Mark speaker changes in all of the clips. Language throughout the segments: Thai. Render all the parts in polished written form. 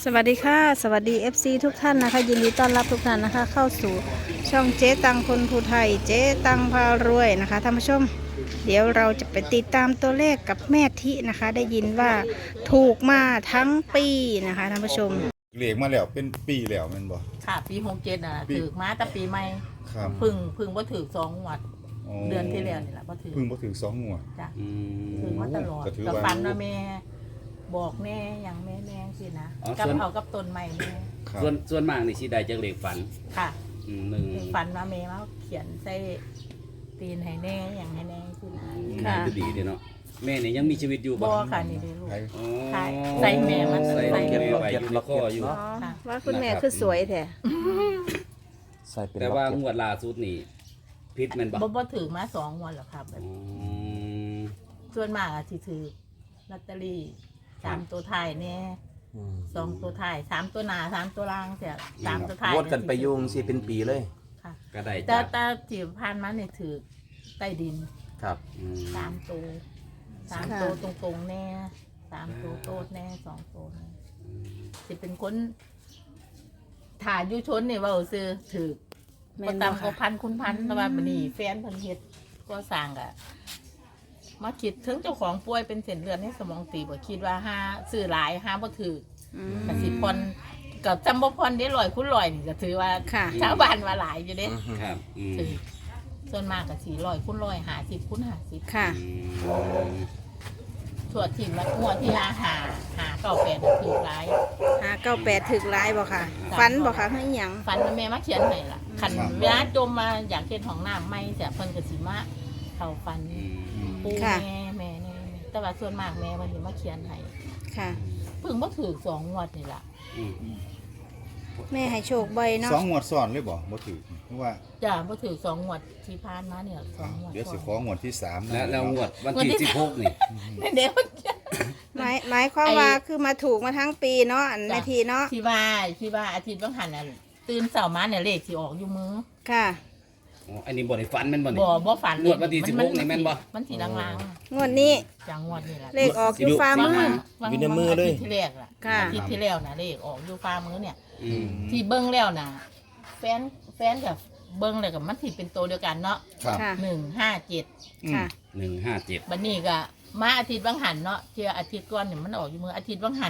Speaker 1: สวัสดีค่ะสวัสดี FC ทุกท่านนะคะยินดีต้อนรับทุกท่านนะคะเข้าสู่ช่องเจ๊ตังคนภูไทยเจ๊ตังพารวยนะคะท่านผู้ชมเดี๋ยวเราจะไปติดตามตัวเลขกับแม่ทินะคะได้ยินว่าถูกมาทั้งปีนะคะท่านผู้ชม
Speaker 2: เหลียกมาแล้วเป็นปีแล้วแมันบ่
Speaker 3: ค่ะปี67น่ะถือมาแต่ปีใหม่
Speaker 2: ครับ
Speaker 3: พึ่งบ่ถือ2งวด
Speaker 2: อ๋อ
Speaker 3: เดือนที่แล้วนี่ล่ะบ่ถือ
Speaker 2: เพิ่งบ่ถึง2งวด
Speaker 3: จ้ะ
Speaker 4: อืม
Speaker 3: ถือมาตลอด
Speaker 2: ก็ถือ
Speaker 3: ก็
Speaker 2: ว่า
Speaker 3: ฝันว่าแม่บอกแน่อย่างแม่แน่สินะ
Speaker 4: อ๋อ
Speaker 3: กับ
Speaker 4: ส่วน
Speaker 3: เอากับต้นใหม่แม่
Speaker 2: ครับ
Speaker 4: ส่วนมากนี่สิได้จากเลขฝัน
Speaker 3: ค่ะ
Speaker 4: หนึ่ง
Speaker 3: ฝันว่าแม่มาเขียนใส่ตีนให้แน่อย่างให้แน่สินะ
Speaker 1: ค่ะ
Speaker 4: ก็ดีเด้เนาะแม่นี่ยังมีชีวิตอยู่
Speaker 3: บ่
Speaker 4: บ่
Speaker 3: ค่ะนี่เด้อลูก
Speaker 2: ใคร
Speaker 4: อ๋อ
Speaker 3: ใช่ใส่แม่มัน
Speaker 4: ใส่
Speaker 3: ใส่
Speaker 4: แม่ไว้อยู่ในคออยู่
Speaker 1: อ๋อว่าคุณแม่คือสวยแท้
Speaker 5: ใส่เป็น
Speaker 4: แต่
Speaker 5: ล็อก
Speaker 4: ว่า
Speaker 5: เก็ต
Speaker 4: งวดล่าสุดนี่พิษแม่นบ่
Speaker 3: บ่ถือมา2งวดหรอกครับ
Speaker 4: อืม
Speaker 3: ส่วนมากอะสิถือลอตเตอรี่3ตัวท้ายแน่
Speaker 5: อืม
Speaker 3: 2ตัวท้าย3ตัวหน้า3ตัวล่างเสีย3ตัวท้าย
Speaker 5: งวดกันไปยุ่งสิเป็นปีเลย
Speaker 3: ค่ะ
Speaker 4: ก็ได้
Speaker 3: แต่
Speaker 4: จาก
Speaker 3: แต่ที่ผ่านมาเนี่ยถือใต้ดิน
Speaker 5: ครับ
Speaker 4: อืม
Speaker 3: 3ตัว3ตัวตรงๆแน่3ตัวโตดแน่2ตัวแน่สิเป็นคนถ่ายอยู่ชนเนี่ยว่าซื้อถือ
Speaker 1: แม่
Speaker 3: บ่
Speaker 1: นบ่
Speaker 3: ต่ำกว่า
Speaker 1: ค่ะ
Speaker 3: พันคุณพันแต่ว่าบัดนี้แฟนเพิ่นเฮ็ดก็สร้างอะมาคิดถึงเจ้าของป่วยเป็นเส้นเลือดในสมองตีบคิดว่าหาซื้อหลายหาบ่ถือ
Speaker 1: อืม
Speaker 3: กสิพรกับจำบ่พรได้100 คูณ 100นี่ก็ถือว่า
Speaker 1: ค่ะ
Speaker 3: ชาวบ้านว่าหลายอยู่เด้
Speaker 4: ครับอืม
Speaker 3: ถือส่วนมากก็สิ100 คูณ 100 50 คูณ 50
Speaker 1: ค่ะ
Speaker 4: อืม
Speaker 3: ทั่วถิ่นละงวดที่หาเก่าแปดถือหลาย
Speaker 1: 598ถึกร้ายบ่ค่ะฟันบ่ค่ะให้หยัง
Speaker 3: ฝันว่าแม่มาเขียนให้ล่ะคันเวลาจมมาอยากเฮ็ดห้องน้ำใหม่เสียเพิ่นก็สิมาเข้าฝัน
Speaker 4: อืม
Speaker 3: ปู่แม่นี่แต่ว่าส่วนมากแม่มันสิมาเขียนให้
Speaker 1: ค่ะ
Speaker 3: เพิ่งบ่ถือ2งวดนี่ล่ะ
Speaker 4: อืม
Speaker 1: แม่ให้โชคบ่อยเนาะ
Speaker 2: 2งวดซ้อนเลยบ่บ่ถึงเพราะว่า
Speaker 3: จ้ะบ่ถือ2งวดที่ผ่านมาเนี่ย2งวด
Speaker 2: เดี๋ยวสิของวดที่3
Speaker 4: แล้วงวดวันที่16นี่
Speaker 3: นี่เดี๋ยว
Speaker 1: หมายความว่าคือมาถูกมาทั้งปีเนาะอันแม่ทีเนาะ
Speaker 3: ที่ว่าอาทิตย์บางหันน่ะตื่นเช้ามาเนี่ยเลขสิออกอยู่มือ
Speaker 1: ค่ะ
Speaker 4: อ๋ออันนี้บ่ได้ฝันแม่นบ่นี่
Speaker 3: บ่ฝัน
Speaker 4: งวดวันที่16นี่แม่นบ่
Speaker 3: มันสิลาง
Speaker 1: งวดนี้
Speaker 3: ๆจังงวดนี่ล่ะ
Speaker 1: เลขออกอยู่ฟ้ามือ
Speaker 5: อยู่ในมือเลย
Speaker 3: อาทิตย์ที่แรกล่ะ
Speaker 1: ค่ะ
Speaker 3: อาทิตย์ที่แล้วน่ะเลขออกอยู่ฟ้ามือเนี่ย
Speaker 4: อืม
Speaker 3: ที่เบิ่งแล้วน่ะแฟนกับเบิ่งแล้วก็มันสิเป็นตัวเดียวกันเนาะ
Speaker 2: ครับ
Speaker 1: ค่ะ
Speaker 3: 157
Speaker 1: ค่ะ
Speaker 4: 157
Speaker 3: บัดนี้ก็มาอาทิตย์บางหันเนาะเที่ยอาทิตย์ก่อนเนี่ยมันออกอยู่มืออาทิตย์บางหัน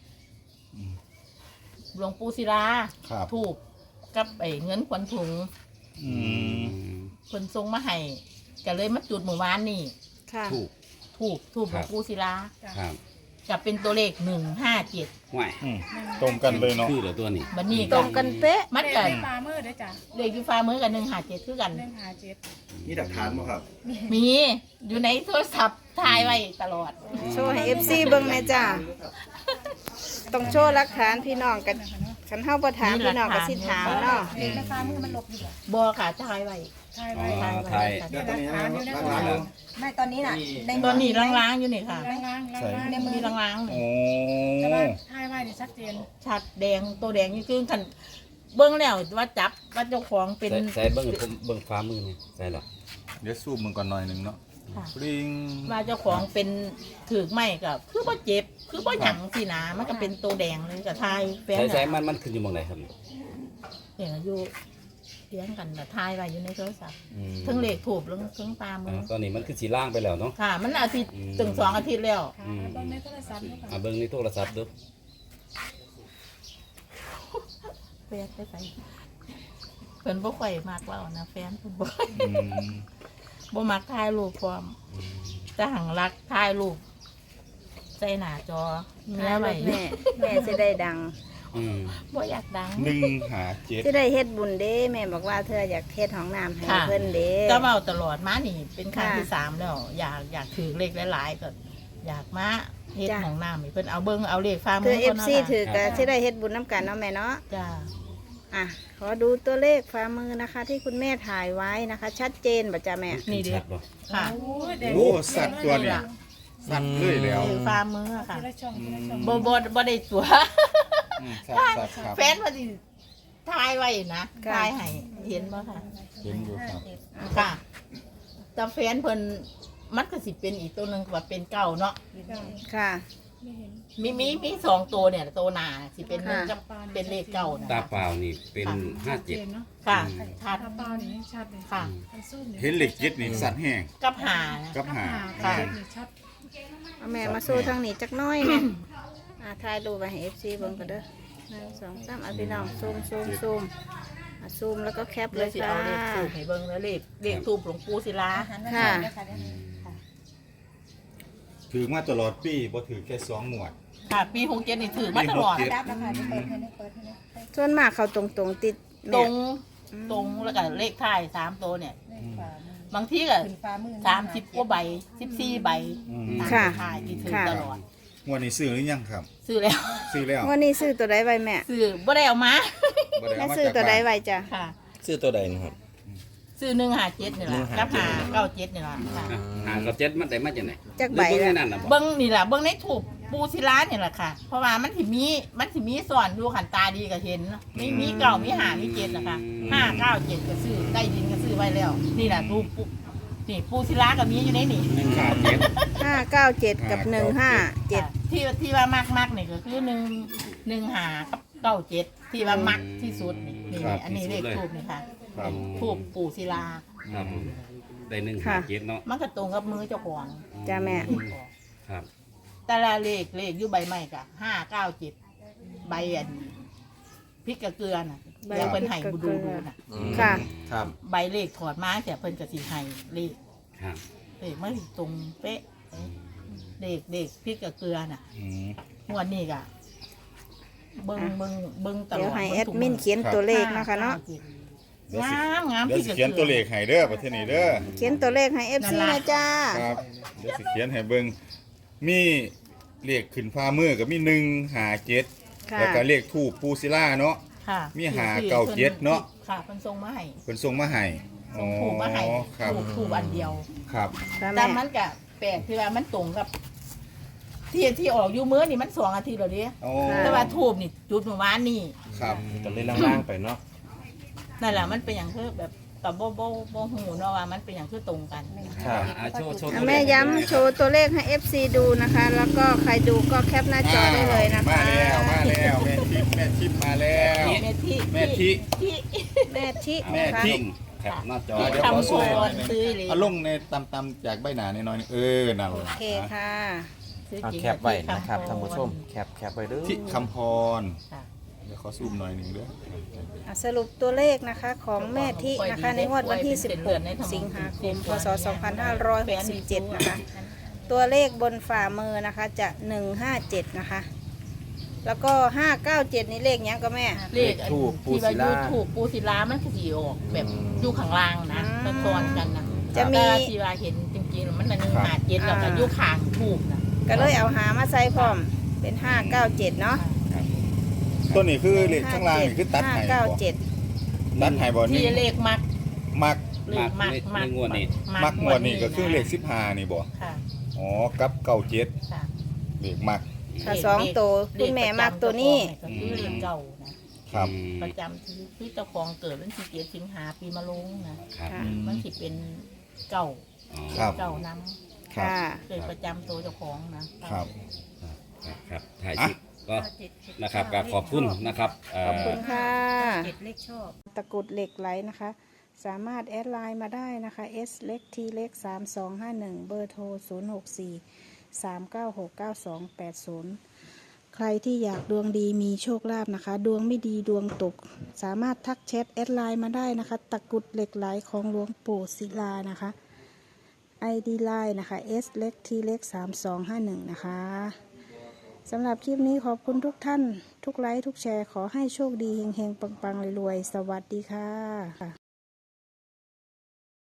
Speaker 3: หลวงปู่ศิลา
Speaker 2: ครับ
Speaker 3: ถูกกับไอ้เงินขวัญถุง
Speaker 2: อืม
Speaker 3: คนทรงมาให้ก็เลยมาจุดหมู่บ้านนี่
Speaker 1: ค่ะ
Speaker 4: ถูก
Speaker 3: ถูกหลวงปู่ศิลา
Speaker 4: ครับ
Speaker 3: จะเป็นตัวเลข157
Speaker 4: ห่วย
Speaker 2: อืมตรงกันเลยเนาะ
Speaker 4: คือเหรอตัวนี้
Speaker 3: บัดนี้
Speaker 1: ตร
Speaker 3: ก็
Speaker 1: งกันเป๊ะ
Speaker 3: มัน
Speaker 6: เล
Speaker 3: ก็
Speaker 6: ขปลามือเด้อจ้ะ
Speaker 3: เลขอยู่ฟ้ามือกับ157คือกัน
Speaker 6: 157
Speaker 2: มีหลักฐานบ่ครับ
Speaker 3: มีอยู่ในโทรศัพท์ถ่ายไว้ตลอด
Speaker 1: โชว์ให้ FC เบิ่งแม่จ้าต้องโชว์หลักฐานพี่น้องกันคันเฮาบ่ถามพี่น้องก็สิถามเนาะ
Speaker 6: เลขในปลามือมันหลบอยู่บ่
Speaker 3: บ่ค่ะถ่ายไว้
Speaker 6: ใช่
Speaker 4: อ๋
Speaker 6: ไว้
Speaker 4: อไทย
Speaker 6: เดี๋ยวหลักฐานอยู่ใน
Speaker 2: หลักฐานอยู่
Speaker 7: ไม่ตอนนี้น่ะใน
Speaker 3: ตอนนี้ล้างๆอยู่นี่ค่ะ
Speaker 6: ล้างๆ
Speaker 3: ในมือล้างๆนี่
Speaker 2: โอ้
Speaker 6: แต่ว่าถ่ายไว้นี่ชัดเจน
Speaker 3: ชัดแดงตัวแดงนี่คือคันเบิ้งแล้วว่าจับว่าเจ้าของเป็น
Speaker 4: ใส่เบิ่งผมเบิ่งฟ้ามือนี่ใส่หรอ
Speaker 2: เดี๋ยวซูมมันก่อนหน่อยหนึงเนาะ
Speaker 3: ค่ะ
Speaker 2: ปริง
Speaker 3: ว่าเจ้าของเป็นถือไม่กับคือว่าเจ็บคือว่าหยังสินะมันก็เป็นตัวแดงเลยกับทายแฟน
Speaker 4: ใส่
Speaker 3: น่ะ
Speaker 4: มันขึ้นอยู่หมองไหนครับ
Speaker 3: เนี่ยอยู่เลี้ยงกันนะทายไว้อยู่ในโทรศัพท์
Speaker 4: อืม
Speaker 3: ทั้งเลขถูกแล้วทั้งตามมือ
Speaker 4: ตอนนี้มันคือสีล่างไปแล้วเนาะ
Speaker 3: ค่ะ มันอาทิตย์
Speaker 4: อืม
Speaker 3: ถึง2 อาทิตย์แล้ว
Speaker 6: ค่ะเบิ่งในโทรศัพท์นี่ค่ะ
Speaker 4: เบิ่งในโทรศัพท์ดู
Speaker 3: แฟนไปใส่เพิ่นบ่ค่อยมักเล่านะแฟนเพิ่นบ่
Speaker 2: อืม
Speaker 3: บ่มักถ่ายรูปพร้อมแต่หังรักถ่ายรูปใส่หน้าจอเมีย
Speaker 1: ถ่าย
Speaker 3: ไว้
Speaker 1: ไว้แม่สิได้ดัง
Speaker 4: อืม
Speaker 3: บ่อยากดัง
Speaker 2: 157
Speaker 1: สิได้เฮ็ดบุญเด้แม่บอกว่าเธออยากเฮ็ดห้องน้ำให้
Speaker 3: ค่ะ
Speaker 1: เพิ่นเด้
Speaker 3: ก็เว้าตลอดมานี่เป็นครั้ง
Speaker 1: ค่ะ
Speaker 3: ที่3แล้ว อยากถือเลขหลายๆก็อยากมาเฮ็ด
Speaker 1: จ้ะ
Speaker 3: ห้องน้ำให้เพิ่นเอาเบิ่งเอาเลขฟ้ามื
Speaker 1: คือ
Speaker 3: ก่น
Speaker 1: FC
Speaker 3: เนาะ
Speaker 1: ถือ
Speaker 3: ค่ะ
Speaker 1: ก็สิได้เฮ็ดบุญน้ำกันเนาะแม่เนาะ
Speaker 3: จ้า
Speaker 1: อ่ะขอดูตัวเลขฝ่ามือนะคะ ที่คุณแม่ถ่ายไว้นะคะ ชัดเจนบ่จ้ะแม่
Speaker 3: นี่เด้
Speaker 4: ชัดบ่
Speaker 3: ค่ะ
Speaker 6: โอ้ยแดง
Speaker 2: โอ้สัตว์ตัวนี้สัตว์เลยแล้ว
Speaker 3: ถือฟ้ามือค่ะ
Speaker 6: ทีละช่องทีละช่อง
Speaker 3: บ่ได้ตัว
Speaker 2: อืมสัตว์ครับ
Speaker 3: แฟนพอดีถ่ายไว้นะถ่ายให้เห็นบ่ค่ะ
Speaker 2: เห็นอยู่ครับ
Speaker 3: ค่ะแต่แฟนเพิ่นมันก็สิเป็นอีกตัวหนึงว่าเป็นเก่าเนาะ
Speaker 1: ค่ะ
Speaker 6: ไม่เห็น
Speaker 3: มีสองตัวเนี่ยตัวหนาสิเป็นหนึ่งกับเป็นเลขเก่านะ
Speaker 4: ตา
Speaker 3: คะ
Speaker 4: เปล่านี่เป็น
Speaker 6: ชัดเจ
Speaker 4: 57
Speaker 6: นเนาะ
Speaker 3: ค่ะ
Speaker 4: อืม
Speaker 3: ชัด
Speaker 6: ถ้าเปล่านี่ชัดเลย
Speaker 3: ค่ะ
Speaker 6: คันสู้นี่
Speaker 2: เห็นเหล็กยึดนี่สัตว์แห้ง
Speaker 3: กับหานะ
Speaker 2: กับหา
Speaker 3: ค่ะ
Speaker 6: เจ็ดนี่ชัด
Speaker 1: เอาแม่มาสู้ทางนี้จักหน้อยเนี่ยถ่ายรูปไปให้ FC เบิ่งกันเด้อ1 2 3เอาพี่น้องซูมซูมแล้วก็แคปเล
Speaker 3: เลย
Speaker 1: ย
Speaker 3: สิ
Speaker 1: ค่ะ
Speaker 3: เอาเลขทูบให้เบิ่งแล้วเลขทูบหลวงปู่ศิลา
Speaker 1: ค่ะ
Speaker 2: ถือมาตลอดปีบ่ถือแค่2งวด
Speaker 3: ค่ะ ปี67นี่ถือมาตลอด
Speaker 2: ปี
Speaker 1: ส่วนมากเขาตรงๆติด
Speaker 3: ต
Speaker 1: แม่
Speaker 3: รงแล้วก็เลขท้าย3ตัวเนี่ย บางทีก็30กว่าใบ14ใบ
Speaker 2: อืม
Speaker 3: ตามท้ายที่ถือตลอด
Speaker 2: งวดนี้ซื้อหรือยังครับ
Speaker 3: ซื้อแล้ว
Speaker 2: ซื้อแล้ว
Speaker 1: วันนี้ซื้อตัวใดไว้แม่
Speaker 3: ซื้อบ่ได้เอามา
Speaker 2: บ่ได้
Speaker 1: แม่
Speaker 2: เอามา
Speaker 1: ซื้อ
Speaker 2: จาก
Speaker 1: ตัวใด
Speaker 2: บ้าน
Speaker 1: ไว้จ้ะ
Speaker 3: ค่ะ
Speaker 5: ซื้อตัวใดนะครับ
Speaker 3: ซื้อ157นี่แหละกับ597นี่แหละค่ะ
Speaker 4: หากับ7มันได้มาจากไหน
Speaker 1: จักใบ
Speaker 4: หรือเบิ่ง
Speaker 1: ละ
Speaker 4: ในนั่นน่ะบ่
Speaker 3: เบิ้งนี่แหละเบิ้งในถูกปูศิลาเนี่ยแหละค่ะ เพราะว่ามันสิมีสอนดูขันตาดีก็เห็นเนาะมีเก่ามีหามีเจ็ดนะคะ597ก็ซื้อได้ดินก็ซื้อไว้แล้ว นี่แหละดูปูนี่ปูศิลาก็มีอยู่ในนี่
Speaker 1: 597 กับ 157
Speaker 3: ที่ว่ามากนี่ก็คือ1 5กับ97ที่ว่ามักที่สุดนี่อันนี้เลขทูบนี่ค่ะ
Speaker 2: ครับ
Speaker 3: ทูบปูศิลา
Speaker 4: ครับผมได้157เนาะ
Speaker 3: มันก็ตรงกับมือเจ้าของ
Speaker 1: จ้ะแม่
Speaker 4: ครับ
Speaker 3: แต่ละเลขอยู่ใบไม้กะ597ใบอันพริกกระเกลือน่ะ
Speaker 1: ใบ
Speaker 3: แล้วเพิ่น
Speaker 1: พริ
Speaker 3: ให้
Speaker 1: กกระ
Speaker 3: บู
Speaker 1: เกลื
Speaker 3: ดู
Speaker 1: อ
Speaker 3: น่ะ
Speaker 1: ค่ะ
Speaker 5: ครับ
Speaker 3: ใบเลขถอดมาแต่เพิ่นก็สิให้เลข
Speaker 4: ครับ
Speaker 3: มันสิตรงเป๊ะเลขพริกกระเกลือน่ะ
Speaker 2: อืม
Speaker 3: งวดนี้ก็เบิ่งตลอด
Speaker 1: เดี๋ยวให้แอดมินเขียนตัวเลขนะคะเนาะ
Speaker 3: งาม
Speaker 2: เดี๋ยว
Speaker 3: พริก
Speaker 2: สิ
Speaker 3: กระ
Speaker 2: เขียน
Speaker 3: เกลื
Speaker 2: ตัวเลขให้เด้อประเทศนี้เด้อ
Speaker 1: เขียนตัวเลขให้ FC นะจ้า
Speaker 2: ครับเดี๋ยวสิเขียนให้เบิ่งมีเลขขึ้นฟ้ามือก็มี157
Speaker 1: ค่ะ
Speaker 2: แล้วก็เลขทูปปูศิลาเนาะ
Speaker 3: ค่ะ
Speaker 2: มี597เนาะ
Speaker 3: ค่ะเพิ่นส่งมาให้
Speaker 2: เพิ่นส่งมาให้
Speaker 3: ส่งถูกมาให้
Speaker 2: ครับ
Speaker 3: ถูกอันเดียว
Speaker 2: ครับ
Speaker 1: ค่ะ
Speaker 3: แต่
Speaker 1: แม่
Speaker 3: มันก็แปลกที่ว่ามันตรงกับที่ออกอยู่มื้อนี่มัน2 อาทิตย์แล้วเด้
Speaker 2: โอ้
Speaker 3: แต่ว่าทูบนี่จุดเมื่อวานนี่
Speaker 2: ครับ
Speaker 5: ก็เลยล่างๆไปเนาะ
Speaker 3: นั่นแหละมันเป็นอย่างคือแบบกับโบหูเนาะว่ามันเป็นอย่างคือตรงกัน
Speaker 5: ครับ
Speaker 4: โชว์
Speaker 1: อ่ะแม่ย้ำโชว์ตัวเลขให้ FC ดูนะคะ แล้วก็ใครดูก็แคปหน้าจอได้เลยนะคะ
Speaker 2: มาแล้วแม่ทิพย์มาแล้ว
Speaker 3: แม่ที่
Speaker 2: แม่ทิ
Speaker 3: ที่
Speaker 1: แม่ทิ
Speaker 2: แม่
Speaker 1: นะคะ
Speaker 2: ทิ
Speaker 4: แคปหน้าจอ
Speaker 2: เดี๋ยวขอ
Speaker 3: ทำ
Speaker 2: สู้
Speaker 3: โคนซื้อเลย
Speaker 2: เอาลงในตำๆจากใบหนาน้อยๆนี่นั่น
Speaker 1: โอ
Speaker 2: แหละ
Speaker 1: เคค่ะ
Speaker 3: ซื้อ
Speaker 5: เอา
Speaker 3: จริง
Speaker 5: แคปไว้นะครับท่านผู้ชมแคปไว้เด้อ
Speaker 2: ที่คำพร
Speaker 3: ค่ะ
Speaker 2: เดี๋ยวขอซูมหน่อยหนึ่งเด้อ
Speaker 1: อ่ะสรุปตัวเลขนะคะของแม่ทินะคะในงวดวันที่ 16 สิงหาคม พศ 2567 นะคะ ตัวเลขบนฝ่ามือนะคะจะ 157 นะคะ แล้วก็ 597 นี่เลขเนี้ยก็แม่
Speaker 3: เลขอันที่ว่ายูถูกปูศิลามันคือสีออกแบบอยู่ข้างล่างนะ
Speaker 1: อืม
Speaker 3: ซ้อนกันนะ
Speaker 1: จะมี
Speaker 3: แต่ที่ว่าเห็นจริงๆมัน157แล้วก็อยู่ข้างถูกนะ
Speaker 1: ก็เลยเอาหามาใส่พร้อมเป็น 597 เนาะ
Speaker 2: ตัวนี้คือเลขข้างล่างนี่คือตัดไห่บ่
Speaker 1: 597
Speaker 2: ตัดไห่บ่
Speaker 3: ที่
Speaker 2: นี่
Speaker 3: เลขมัก
Speaker 2: มัก
Speaker 3: เลขมัก
Speaker 4: ในงวดนี้
Speaker 2: มักงวดนี่ก็คือเลข15นี่บ่
Speaker 3: ค่ะ
Speaker 2: อ๋อกับ97
Speaker 3: ค่ะ
Speaker 2: เลขมัก
Speaker 1: ถ้าสองตัวคุณแม่มักตัวนี้
Speaker 3: ก็คือเลขเก่านะครับ ประจำที่เจ้าของเกิดวันที่7 สิงหาปีมะโรงนะครับ
Speaker 1: ค่ะ
Speaker 3: มันสิเป็นเก่า
Speaker 2: ครับ
Speaker 3: เก่าน้
Speaker 1: ค่ะ
Speaker 3: ำเกิดประจำตัวเจ้าของนะครับ
Speaker 4: ครับถ่ายคลิปก็นะครับก็ขอบคุณนะครับ
Speaker 1: ขอบคุณค่ะตะกรุดเหล็กไหลนะคะ สามารถแอดไลน์มาได้นะคะ S เล็ก T เล็ก3251 เบอร์โทร 064 396 9280 ใครที่อยากดวงดีมีโชคลาภนะคะ ดวงไม่ดีดวงตก สามารถทักแชทแอดไลน์มาได้นะคะ ตะกรุดเหล็กไหลของหลวงปู่ศิลานะคะ ID ไลน์นะคะ S เล็ก T เล็ก3251 นะคะสำหรับคลิปนี้ขอบคุณทุกท่าน ทุกไลค์ทุกแชร์ขอให้โชคดีเฮงๆ ปังๆรวยๆ สวัสดีค่ะ